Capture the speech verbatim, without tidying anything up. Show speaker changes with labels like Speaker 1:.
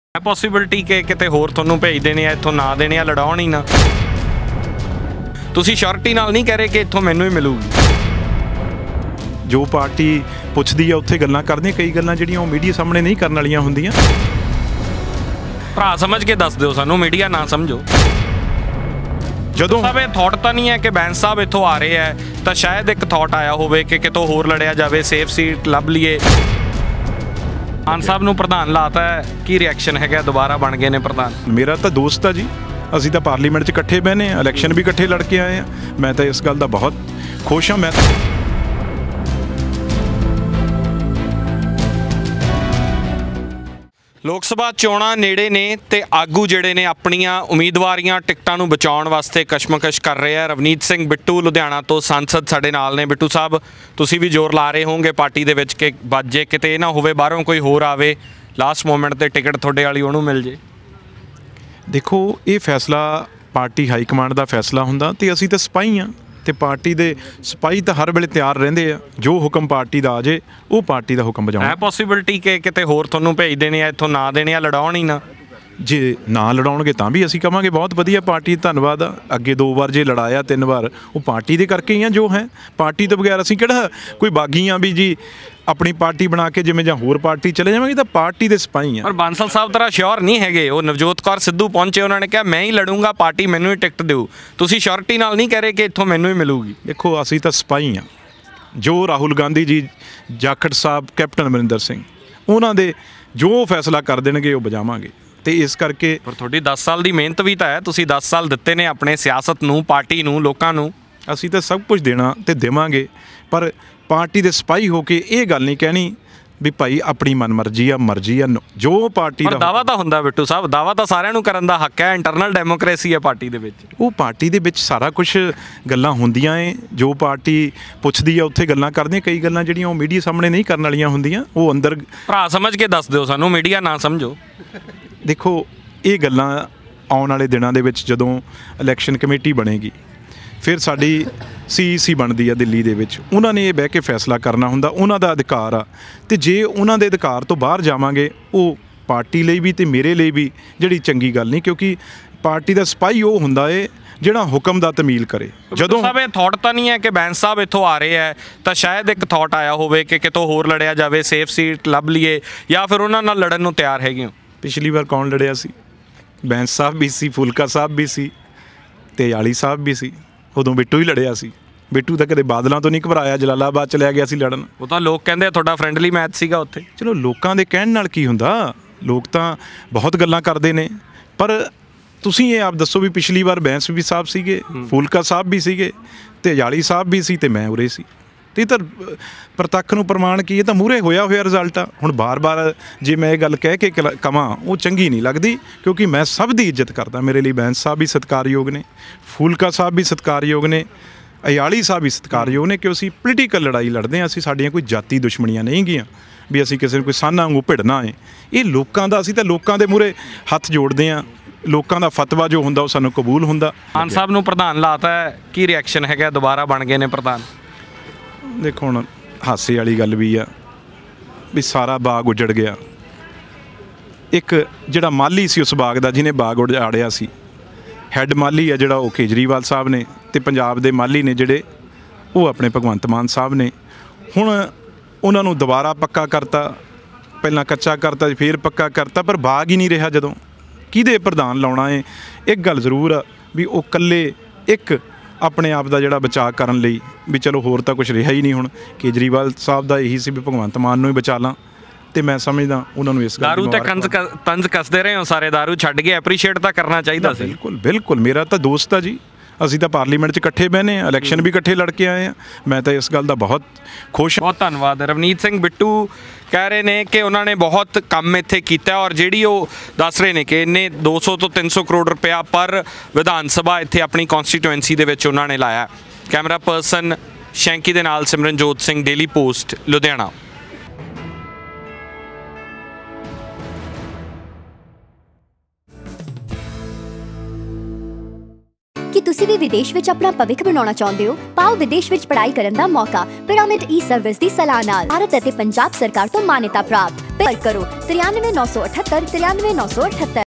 Speaker 1: है पॉसिबिलिटी कि किते होर तुहानूं भेज देने आ इत्थों ना देने आ लड़ाउण ही ना तुसीं श्योरिटी नाल नहीं कह रहे कि इत्थों मैनूं ही मिलूगी।
Speaker 2: जो पार्टी पुछदी आ उत्थे गल्लां करदे कई गल्लां जिहड़ियां ओह मीडिया सामने नहीं करन वालीआं हुंदियां।
Speaker 1: भरा समझ के दस दिओ सानूं मीडिया ना समझो।
Speaker 2: ਜਦੋਂ
Speaker 1: ਸਾਹਿਬ ਇਹ ਥਾਟ ਤਾਂ ਨਹੀਂ ਹੈ ਕਿ ਬੈਂਸ ਸਾਹਿਬ ਇੱਥੋਂ ਆ ਰਹੇ ਹੈ ਤਾਂ ਸ਼ਾਇਦ ਇੱਕ ਥਾਟ ਆਇਆ ਹੋਵੇ ਕਿ ਕਿਤੋਂ ਹੋਰ ਲੜਿਆ ਜਾਵੇ ਸੇਫ ਸੀਟ ਲੱਭ ਲਈਏ। ਮਾਨ ਸਾਹਿਬ ਨੂੰ ਪ੍ਰਧਾਨ ਲਾਤਾ ਹੈ ਕੀ ਰਿਐਕਸ਼ਨ ਹੈਗਾ ਦੁਬਾਰਾ ਬਣ ਗਏ ਨੇ ਪ੍ਰਧਾਨ?
Speaker 2: ਮੇਰਾ ਤਾਂ ਦੋਸਤ ਆ ਜੀ, ਅਸੀਂ ਤਾਂ ਪਾਰਲੀਮੈਂਟ 'ਚ ਇਕੱਠੇ ਬਹਿਨੇ ਆ, ਇਲੈਕਸ਼ਨ ਵੀ ਇਕੱਠੇ ਲੜ ਕੇ ਆਏ ਆ। ਮੈਂ ਤਾਂ ਇਸ ਗੱਲ ਦਾ ਬਹੁਤ ਖੁਸ਼ ਹਾਂ। ਮੈਂ
Speaker 1: ਲੋਕ ਸਭਾ ਚੋਣਾਂ ਨੇੜੇ ਨੇ ਤੇ ਆਗੂ ਜਿਹੜੇ ਨੇ ਆਪਣੀਆਂ ਉਮੀਦਵਾਰੀਆਂ ਟਿਕਟਾਂ ਨੂੰ ਬਚਾਉਣ ਵਾਸਤੇ ਕਸ਼ਮਕਸ਼ ਕਰ ਰਹੇ ਆ। ਰਵਨੀਤ ਸਿੰਘ ਬਿੱਟੂ ਲੁਧਿਆਣਾ ਤੋਂ ਸੰਸਦ ਸਾਡੇ ਨਾਲ ਨੇ। ਬਿੱਟੂ ਸਾਹਿਬ ਤੁਸੀਂ ਵੀ ਜ਼ੋਰ ਲਾ ਰਹੇ ਹੋਵੋਗੇ ਪਾਰਟੀ ਦੇ ਵਿੱਚ ਕਿ ਬਾਜੇ ਕਿਤੇ ਇਹ ਨਾ ਹੋਵੇ ਬਾਹਰੋਂ ਕੋਈ ਹੋਰ ਆਵੇ ਲਾਸਟ ਮੋਮੈਂਟ ਤੇ ਟਿਕਟ ਤੁਹਾਡੇ ਵਾਲੀ ਉਹਨੂੰ ਮਿਲ ਜੇ।
Speaker 2: ਦੇਖੋ ਇਹ ਫੈਸਲਾ ਪਾਰਟੀ ਹਾਈ ਕਮਾਂਡ ਦਾ ਫੈਸਲਾ ਹੁੰਦਾ ਤੇ ਅਸੀਂ ਤਾਂ ਸਿਪਾਹੀ ਹਾਂ ਤੇ ਪਾਰਟੀ ਦੇ ਸਿਪਾਹੀ ਤਾਂ ਹਰ ਵੇਲੇ ਤਿਆਰ ਰਹਿੰਦੇ ਆ। ਜੋ ਹੁਕਮ ਪਾਰਟੀ ਦਾ ਆ ਜੇ ਉਹ ਪਾਰਟੀ ਦਾ ਹੁਕਮ ਵਜਾਉਣਾ।
Speaker 1: ਹੈ ਪੋਸੀਬਿਲਿਟੀ ਕਿ ਕਿਤੇ ਹੋਰ ਤੁਹਾਨੂੰ ਭੇਜ ਦੇਣੇ ਆ ਇੱਥੋਂ ਨਾ ਦੇਣੇ ਆ ਲੜਾਉਣ ਹੀ ਨਾ?
Speaker 2: ਜੇ ਨਾ ਲੜਾਉਣਗੇ ਤਾਂ ਵੀ ਅਸੀਂ ਕਹਾਂਗੇ ਬਹੁਤ ਵਧੀਆ ਪਾਰਟੀ ਧੰਨਵਾਦ ਆ। ਅੱਗੇ ਦੋ ਵਾਰ ਜੇ ਲੜਾਇਆ ਤਿੰਨ ਵਾਰ ਉਹ ਪਾਰਟੀ ਦੇ ਕਰਕੇ ਹੀ ਆ। ਜੋ ਹੈ ਪਾਰਟੀ ਤੋਂ ਬਗੈਰ ਅਸੀਂ ਕਿਹੜਾ ਕੋਈ ਬਾਗੀ ਆ ਵੀ ਜੀ ਆਪਣੀ ਪਾਰਟੀ ਬਣਾ ਕੇ ਜਿਵੇਂ ਜਾਂ ਹੋਰ ਪਾਰਟੀ ਚਲੇ ਜਾਵਾਂਗੇ। ਤਾਂ ਪਾਰਟੀ ਦੇ ਸਿਪਾਹੀ ਆ।
Speaker 1: ਪਰ ਬਾਂਸਲ ਸਾਹਿਬ ਤਰ੍ਹਾਂ ਸ਼ੋਰ ਨਹੀਂ ਹੈਗੇ। ਉਹ ਨਵਜੋਤ ਕੌਰ ਸਿੱਧੂ ਪਹੁੰਚੇ, ਉਹਨਾਂ ਨੇ ਕਿਹਾ ਮੈਂ ਹੀ ਲੜੂੰਗਾ, ਪਾਰਟੀ ਮੈਨੂੰ ਹੀ ਟਿਕਟ ਦਿਓ। ਤੁਸੀਂ ਸ਼ੋਰਟੀ ਨਾਲ ਨਹੀਂ ਕਹਿ ਰਹੇ ਕਿ ਇੱਥੋਂ ਮੈਨੂੰ ਹੀ ਮਿਲੂਗੀ?
Speaker 2: ਦੇਖੋ ਅਸੀਂ ਤਾਂ ਸਿਪਾਹੀ ਆ। ਜੋ ਰਾਹੁਲ ਗਾਂਧੀ ਜੀ, ਜਾਖੜ ਸਾਹਿਬ, ਕੈਪਟਨ ਅਮਰਿੰਦਰ ਸਿੰਘ ਉਹਨਾਂ ਦੇ ਜੋ ਫੈਸਲਾ ਕਰ ਦੇਣਗੇ ਉਹ ਵਜਾਵਾਂਗੇ। ਤੇ ਇਸ ਕਰਕੇ
Speaker 1: ਪਰ ਤੁਹਾਡੀ ਦਸ ਸਾਲ ਦੀ ਮਿਹਨਤ ਵੀ ਤਾਂ ਹੈ। ਤੁਸੀਂ ਦਸ ਸਾਲ ਦਿੱਤੇ ਨੇ ਆਪਣੇ ਸਿਆਸਤ ਨੂੰ, ਪਾਰਟੀ ਨੂੰ, ਲੋਕਾਂ ਨੂੰ।
Speaker 2: ਅਸੀਂ ਤਾਂ ਸਭ ਕੁਝ ਦੇਣਾ ਤੇ ਦੇਵਾਂਗੇ। ਪਰ ਪਾਰਟੀ ਦੇ ਸਿਪਾਹੀ ਹੋ ਕੇ ਇਹ ਗੱਲ ਨਹੀਂ ਕਹਿਣੀ ਵੀ ਭਾਈ ਆਪਣੀ ਮਨਮਰਜ਼ੀ ਆ, ਮਰਜ਼ੀ ਆ। ਜੋ ਪਾਰਟੀ ਦਾ
Speaker 1: ਦਾਵਾ ਤਾਂ ਹੁੰਦਾ ਬਿੱਟੂ ਸਾਹਿਬ, ਦਾਵਾ ਤਾਂ ਸਾਰਿਆਂ ਨੂੰ ਕਰਨ ਦਾ ਹੱਕ ਹੈ। ਇੰਟਰਨਲ ਡੈਮੋਕ੍ਰੇਸੀ ਹੈ ਪਾਰਟੀ ਦੇ ਵਿੱਚ।
Speaker 2: ਉਹ ਪਾਰਟੀ ਦੇ ਵਿੱਚ ਸਾਰਾ ਕੁਝ ਗੱਲਾਂ ਹੁੰਦੀਆਂ ਏ। ਜੋ ਪਾਰਟੀ ਪੁੱਛਦੀ ਆ ਉੱਥੇ ਗੱਲਾਂ ਕਰਦੇ। ਕਈ ਗੱਲਾਂ ਜਿਹੜੀਆਂ ਉਹ ਮੀਡੀਆ ਸਾਹਮਣੇ ਨਹੀਂ ਕਰਨ ਵਾਲੀਆਂ ਹੁੰਦੀਆਂ ਉਹ ਅੰਦਰ
Speaker 1: ਭਰਾ ਸਮਝ ਕੇ ਦੱਸ ਦਿਓ ਸਾਨੂੰ, ਮੀਡੀਆ ਨਾ ਸਮਝੋ।
Speaker 2: ਦੇਖੋ ਇਹ ਗੱਲਾਂ ਆਉਣ ਵਾਲੇ ਦਿਨਾਂ ਦੇ ਵਿੱਚ ਜਦੋਂ ਇਲੈਕਸ਼ਨ ਕਮੇਟੀ ਬਣੇਗੀ ਫਿਰ ਸਾਡੀ ਸੀ ਈ ਸੀ ਬਣਦੀ ਆ ਦਿੱਲੀ ਦੇ ਵਿੱਚ, ਉਹਨਾਂ ਨੇ ਇਹ ਬਹਿ ਕੇ ਫੈਸਲਾ ਕਰਨਾ ਹੁੰਦਾ। ਉਹਨਾਂ ਦਾ ਅਧਿਕਾਰ ਆ। ਅਤੇ ਜੇ ਉਹਨਾਂ ਦੇ ਅਧਿਕਾਰ ਤੋਂ ਬਾਹਰ ਜਾਵਾਂਗੇ ਉਹ ਪਾਰਟੀ ਲਈ ਵੀ ਅਤੇ ਮੇਰੇ ਲਈ ਵੀ ਜਿਹੜੀ ਚੰਗੀ ਗੱਲ ਨਹੀਂ। ਕਿਉਂਕਿ ਪਾਰਟੀ ਦਾ ਸਿਪਾਹੀ ਉਹ ਹੁੰਦਾ ਏ ਜਿਹੜਾ ਹੁਕਮ ਦਾ ਤਮੀਲ ਕਰੇ। ਜਦੋਂ
Speaker 1: ਸਾਹਿਬ ਇਹ ਥਾਟ ਤਾਂ ਨਹੀਂ ਹੈ ਕਿ ਬੈਂਸ ਸਾਹਿਬ ਇੱਥੋਂ ਆ ਰਹੇ ਹੈ ਤਾਂ ਸ਼ਾਇਦ ਇੱਕ ਥਾਟ ਆਇਆ ਹੋਵੇ ਕਿ ਕਿਤੋਂ ਹੋਰ ਲੜਿਆ ਜਾਵੇ ਸੇਫ ਸੀਟ ਲੱਭ ਲਈਏ, ਜਾਂ ਫਿਰ ਉਹਨਾਂ ਨਾਲ ਲੜਨ ਨੂੰ ਤਿਆਰ ਹੈਗੇ ਹੋ?
Speaker 2: ਪਿਛਲੀ ਵਾਰ ਕੌਣ ਲੜਿਆ ਸੀ? ਬੈਂਸ ਸਾਹਿਬ ਵੀ ਸੀ, ਫੁਲਕਾ ਸਾਹਿਬ ਵੀ ਸੀ ਅਤੇ ਆਲੀ ਸਾਹਿਬ ਵੀ ਸੀ। ਉਦੋਂ ਬਿੱਟੂ ਹੀ ਲੜਿਆ ਸੀ। ਬਿੱਟੂ ਤਾਂ ਕਦੇ ਬਾਦਲਾਂ ਤੋਂ ਨਹੀਂ ਘਬਰਾਇਆ, ਜਲਾਲਾਬਾਦ ਚਲਿਆ ਗਿਆ ਸੀ ਲੜਨ।
Speaker 1: ਉਹ ਤਾਂ ਲੋਕ ਕਹਿੰਦੇ ਆ ਤੁਹਾਡਾ ਫਰੈਂਡਲੀ ਮੈਚ ਸੀਗਾ ਉੱਥੇ।
Speaker 2: ਚਲੋ ਲੋਕਾਂ ਦੇ ਕਹਿਣ ਨਾਲ ਕੀ ਹੁੰਦਾ, ਲੋਕ ਤਾਂ ਬਹੁਤ ਗੱਲਾਂ ਕਰਦੇ ਨੇ। ਪਰ ਤੁਸੀਂ ਇਹ ਆਪ ਦੱਸੋ ਵੀ ਪਿਛਲੀ ਵਾਰ ਬੈਂਸ ਵੀ ਸਾਹਿਬ ਸੀਗੇ, ਫੁਲਕਾ ਸਾਹਿਬ ਵੀ ਸੀਗੇ ਅਤੇ ਜਾਲੀ ਸਾਹਿਬ ਵੀ ਸੀ ਅਤੇ ਮੈਂ ਉਰੇ ਸੀ। ਅਤੇ ਇਹ ਤਾਂ ਪ੍ਰਤੱਖ ਨੂੰ ਪ੍ਰਮਾਣ ਕੀ, ਇਹ ਤਾਂ ਮੂਹਰੇ ਹੋਇਆ ਹੋਇਆ ਰਿਜ਼ਲਟ ਆ। ਹੁਣ ਬਾਰ-ਬਾਰ ਜੇ ਮੈਂ ਇਹ ਗੱਲ ਕਹਿ ਕੇ ਕਵਾਂ ਉਹ ਚੰਗੀ ਨਹੀਂ ਲੱਗਦੀ, ਕਿਉਂਕਿ ਮੈਂ ਸਭ ਦੀ ਇੱਜ਼ਤ ਕਰਦਾ। ਮੇਰੇ ਲਈ ਬੈਂਸ ਸਾਹਿਬ ਵੀ ਸਤਿਕਾਰਯੋਗ ਨੇ, ਫੁਲਕਾ ਸਾਹਿਬ ਵੀ ਸਤਿਕਾਰਯੋਗ ਨੇ, ਅਯਾਲੀ ਸਾਹਿਬ ਵੀ ਸਤਿਕਾਰਯੋਗ ਨੇ। ਕਿ ਅਸੀਂ ਪੋਲੀਟੀਕਲ ਲੜਾਈ ਲੜਦੇ ਹਾਂ। ਅਸੀਂ ਸਾਡੀਆਂ ਕੋਈ ਜਾਤੀ ਦੁਸ਼ਮਣੀਆਂ ਨਹੀਂ ਗੀਆਂ ਵੀ ਅਸੀਂ ਕਿਸੇ ਨੂੰ ਕੋਈ ਸਾਨਾ ਵਾਂਗੂ ਭਿੜਨਾ ਹੈ। ਇਹ ਲੋਕਾਂ ਦਾ, ਅਸੀਂ ਤਾਂ ਲੋਕਾਂ ਦੇ ਮੂਹਰੇ ਹੱਥ ਜੋੜਦੇ ਹਾਂ। ਲੋਕਾਂ ਦਾ ਫਤਵਾ ਜੋ ਹੁੰਦਾ ਉਹ ਸਾਨੂੰ ਕਬੂਲ ਹੁੰਦਾ।
Speaker 1: ਮਾਨ ਸਾਹਿਬ ਨੂੰ ਪ੍ਰਧਾਨ ਲਾਤਾ ਹੈ, ਕੀ ਰਿਐਕਸ਼ਨ ਹੈਗਾ ਦੁਬਾਰਾ ਬਣ ਗਏ ਨੇ ਪ੍ਰਧਾਨ?
Speaker 2: ਦੇਖੋ ਹੁਣ ਹਾਸੇ ਵਾਲੀ ਗੱਲ ਵੀ ਆ ਵੀ ਸਾਰਾ ਬਾਗ ਉਜੜ ਗਿਆ। ਇੱਕ ਜਿਹੜਾ ਮਾਲੀ ਸੀ ਉਸ ਬਾਗ ਦਾ, ਜਿਹਨੇ ਬਾਗ ਉਜਾੜਿਆ ਸੀ, ਹੈੱਡ ਮਾਲੀ ਆ ਜਿਹੜਾ ਉਹ ਕੇਜਰੀਵਾਲ ਸਾਹਿਬ ਨੇ, ਅਤੇ ਪੰਜਾਬ ਦੇ ਮਾਲੀ ਨੇ ਜਿਹੜੇ ਉਹ ਆਪਣੇ ਭਗਵੰਤ ਮਾਨ ਸਾਹਿਬ ਨੇ। ਹੁਣ ਉਹਨਾਂ ਨੂੰ ਦੁਬਾਰਾ ਪੱਕਾ ਕਰਤਾ, ਪਹਿਲਾਂ ਕੱਚਾ ਕਰਤਾ ਫਿਰ ਪੱਕਾ ਕਰਤਾ, ਪਰ ਬਾਗ ਹੀ ਨਹੀਂ ਰਿਹਾ। ਜਦੋਂ ਕਿਹਦੇ ਪ੍ਰਧਾਨ ਲਾਉਣਾ ਹੈ? ਇੱਕ ਗੱਲ ਜ਼ਰੂਰ ਆ ਵੀ ਉਹ ਇਕੱਲੇ ਇੱਕ ਆਪਣੇ ਆਪ ਦਾ ਜਿਹੜਾ ਬਚਾਅ ਕਰਨ ਲਈ ਵੀ ਚਲੋ ਹੋਰ ਤਾਂ ਕੁਛ ਰਿਹਾ ਹੀ ਨਹੀਂ। ਹੁਣ ਕੇਜਰੀਵਾਲ ਸਾਹਿਬ ਦਾ ਇਹੀ ਸੀ ਵੀ ਭਗਵੰਤ ਮਾਨ ਨੂੰ ਹੀ ਬਚਾ ਲਾਂ, ਅਤੇ ਮੈਂ ਸਮਝਦਾ ਉਹਨਾਂ ਨੂੰ ਇਸ ਗੱਲ
Speaker 1: ਦਾਰੂ ਤੇ ਕੰਜ ਤੰਜ ਕੱਸਦੇ ਰਹੇ ਹੋ ਸਾਰੇ, ਦਾਰੂ ਛੱਡ ਕੇ ਐਪਰੀਸ਼ੀਏਟ ਤਾਂ ਕਰਨਾ ਚਾਹੀਦਾ ਸੀ।
Speaker 2: ਬਿਲਕੁਲ ਬਿਲਕੁਲ ਮੇਰਾ ਤਾਂ ਦੋਸਤ ਆ ਜੀ। ਅਸੀਂ ਤਾਂ ਪਾਰਲੀਮੈਂਟ 'ਚ ਇਕੱਠੇ ਬਹਿਨੇ ਆ, ਇਲੈਕਸ਼ਨ ਵੀ ਇਕੱਠੇ ਲੜ ਕੇ ਆਏ ਆ। ਮੈਂ ਤਾਂ ਇਸ ਗੱਲ ਦਾ ਬਹੁਤ ਖੁਸ਼ ਹਾਂ।
Speaker 1: ਬਹੁਤ ਧੰਨਵਾਦ। ਰਵਨੀਤ ਸਿੰਘ ਬਿੱਟੂ ਕਹਿ ਰਹੇ ਨੇ ਕਿ ਉਹਨਾਂ ਨੇ ਬਹੁਤ ਕੰਮ ਇੱਥੇ ਕੀਤਾ ਔਰ ਜਿਹੜੀ ਉਹ ਦੱਸ ਰਹੇ ਨੇ ਕਿ ਇਹਨੇ ਦੋ ਸੌ ਤੋਂ ਤਿੰਨ ਸੌ ਕਰੋੜ ਰੁਪਇਆ ਪਰ ਵਿਧਾਨ ਸਭਾ ਇੱਥੇ ਆਪਣੀ ਕੌਂਸਟੀਟੂਐਂਸੀ ਦੇ ਵਿੱਚ ਉਹਨਾਂ ਨੇ ਲਾਇਆ। ਕੈਮਰਾ ਪਰਸਨ ਸ਼ੈਂਕੀ ਦੇ ਨਾਲ ਸਿਮਰਨਜੋਤ ਸਿੰਘ, ਡੇਲੀ ਪੋਸਟ, ਲੁਧਿਆਣਾ।
Speaker 3: ਕੀ ਤੁਸੀਂ ਵੀ ਵਿਦੇਸ਼ ਵਿੱਚ ਆਪਣਾ ਭਵਿੱਖ ਬਣਾਉਣਾ ਚਾਹੁੰਦੇ ਹੋ? ਪਾਓ ਵਿਦੇਸ਼ ਵਿੱਚ ਪੜ੍ਹਾਈ ਕਰਨ ਦਾ ਮੌਕਾ। ਪਿਰਾਮਿਡ ਈ ਸਰਵਿਸ ਦੀ ਸਲਾਹ ਨਾਲ ਭਾਰਤ ਅਤੇ ਪੰਜਾਬ ਸਰਕਾਰ ਤੋਂ ਮਾਨਤਾ ਪ੍ਰਾਪਤ ਸੰਪਰਕ ਕਰੋ ਤਰਿਆਨਵੇਂ ਨੌ ਸੌ ਅਠੱਤਰ ਤਰਿਆਨਵੇਂ ਨੌ ਸੌ ਅਠੱਤਰ।